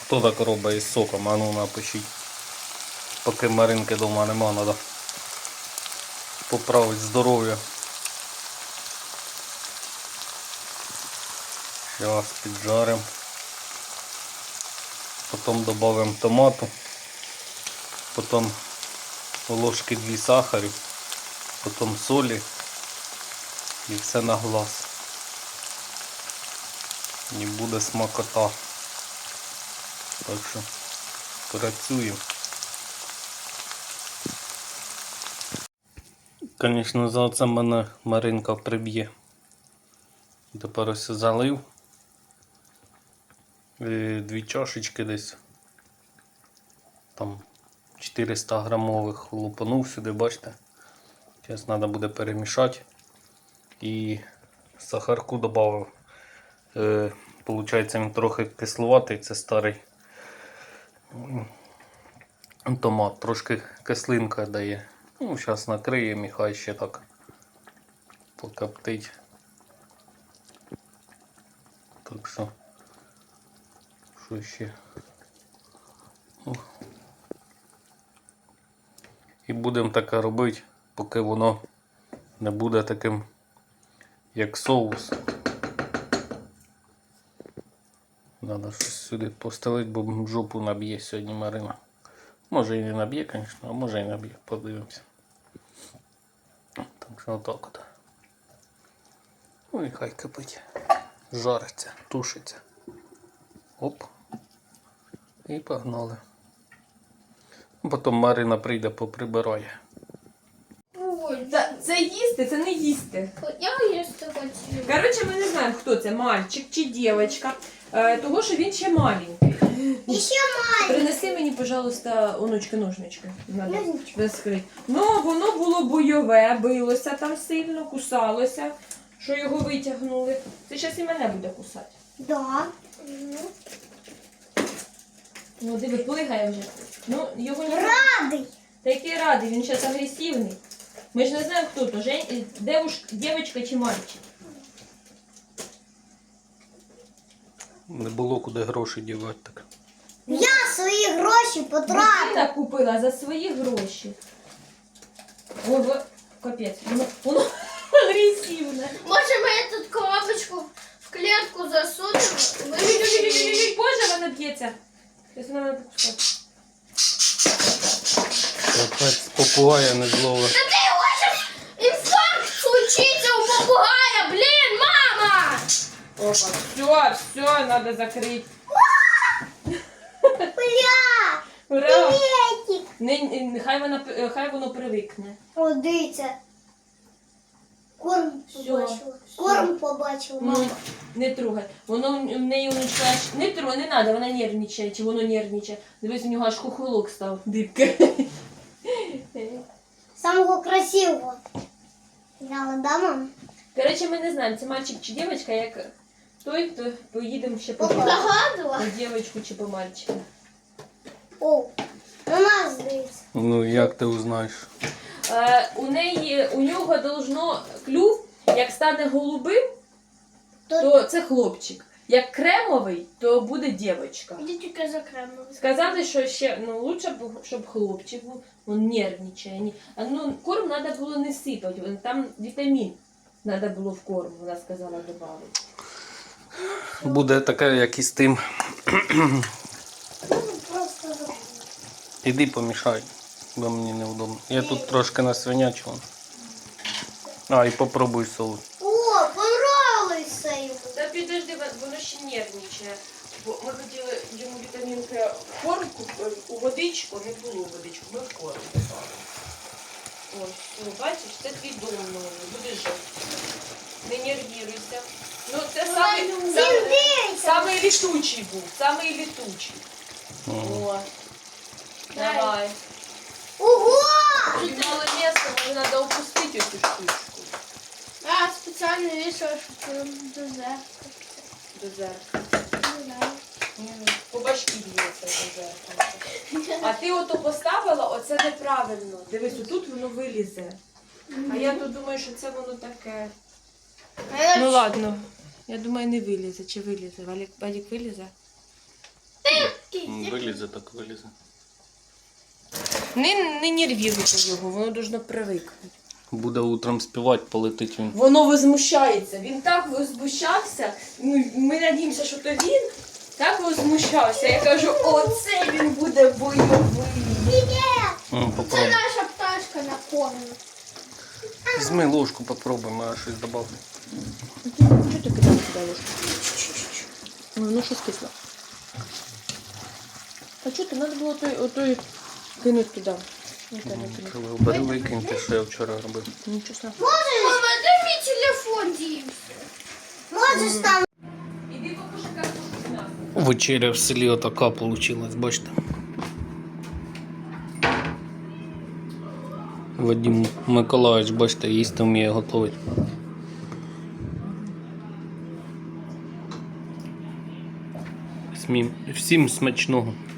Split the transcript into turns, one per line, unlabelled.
Хто так робить із соком? А ну напишіть. Поки Маринки вдома нема, треба поправити здоров'я. Зараз піджаримо. Потім додамо томату. Потім ложки 2 сахарю. Потім солі. І все на глаз. І буде смакота. Так що працюємо. Звісно, за це мене Маринка приб'є. Тепер ось залив. 2 чашечки десь. Там 400 грамових лупанув сюди, бачите. Зараз треба буде перемішати. І сахарку додав. Получається, він трохи кисловатий, це старий томат, трошки кислинка дає. Ну, зараз накриємо і хай ще так покоптить. Так що ще? І будемо таке робити, поки воно не буде таким, як соус. Треба щось сюди постелити, бо жопу наб'є сьогодні Марина. Може і не наб'є, звісно, а може і наб'є. Подивимося. Так що отак от. Ну і хай кипить. Жариться, тушиться. Оп. І погнали. Потім Марина прийде, поприбирає.
Ой, це їсти, це не їсти.
Я їсти хочу.
Коротше, ми не знаємо, хто це, мальчик чи дівчинка. Того, що він ще маленький.
І ще маленький.
Принеси мені, пожалуйста, онучки, ножнички. Надо розкрити. Ну, воно було бойове, билося там сильно, кусалося, що його витягнули. Це зараз і мене буде кусати.
Да.
Ну, диви, плигає вже. Ну, його не...
Радий.
Та який радий, він зараз агресивний. Ми ж не знаємо, хто то, дівчинка чи мальчик.
Не було куди гроші дівати так.
Я свої гроші потратив.
Дитина купила за свої гроші. Ого, капець, воно агресивне.
Може ми тут коробочку в клітку засунемо?
Боже, вона б'ється. Зараз вона мене покусає.
Опять попугая не зловив.
Та ти хочеш інфаркт случиться у попугая, блін, мама!
Опа, все, надо закрити.
Бля,
Ура!
приветик.
Хай воно привикне.
О, дивіться. Корм
Всё,
побачила.
всё.
Корм побачила,
Ну,
мама.
не трогай. Воно в неї онучка аж... Не трогай, не треба, вона нервничає, чи воно нервничає. Дивись, у нього аж хохолок став, дибка.
Самого красивого. Взяла, да, мам?
Коротше, ми не знаємо, це мальчик чи дівчинка, як той, хто поїдемо ще побачити.
Погадила?
По дівчинку чи по мальчику.
О, на нас дивиться.
Ну як ти узнаєш?
У нього должно клюв, як стане голубим, то це хлопчик. Як кремовий, то буде дівчинка.
Іди тільки за кремом.
Сказали, що ще лучше б, щоб хлопчик був, він нервничає. Корм треба було не сипати, там вітамін треба було в корм, вона сказала, додати.
Буде таке, як і з тим.
Просто
Іди помішай, бо мені невдобно. Я тут трошки насвинячував. А, і попробуй соус.
О, понравилося йому.
Та підожди, воно ще нервничає. Бо ми хотіли йому вітамінки в корм, у водичку, не було водичку, ми в корм попали. Ось, ну, бачиш, це твій дом новий, будеш жити. Не нервіруйся. Ну, це самий літучий був, самий літучий. О, давай.
Ого!
Тут мало місця, може треба опустити цю штучку.
А, спеціально вийшло, щоб дозер.
До зеркала. По башки б'ється до зеркала. А ти ото поставила, оце неправильно. Дивись, отут воно вилізе. А я тут думаю, що це воно таке. Ну ладно. Я думаю, не вилізе. Чи вилізе? Валік вилізе?
Вилізе, так вилізе.
Не нервіруйте його, воно должно привикнути.
Буде утром співати, полетить він.
Воно возмущається. Він так возмущався. Ну, ми надіємося, що то він так возмущався. Я кажу, оце він буде бойовий.
Це
Попробуй.
наша пташка на кормі.
Візьми ложку, попробуй, а щось добавити.
Чого ти кидаєш туди ложку? Воно щось кисло. А чого ти? Треба було отой кинути туди.
Бери, викинь те, що я вчора робив.
Нічого страшного.
Мама, де мій телефон дівся? Можеш там.
Іди покушай картошку з нас.
Вечеря в селі отака вийшла, бачите. Вадим Миколаївич, бачите, їсти вміє готувати. Всім смачного.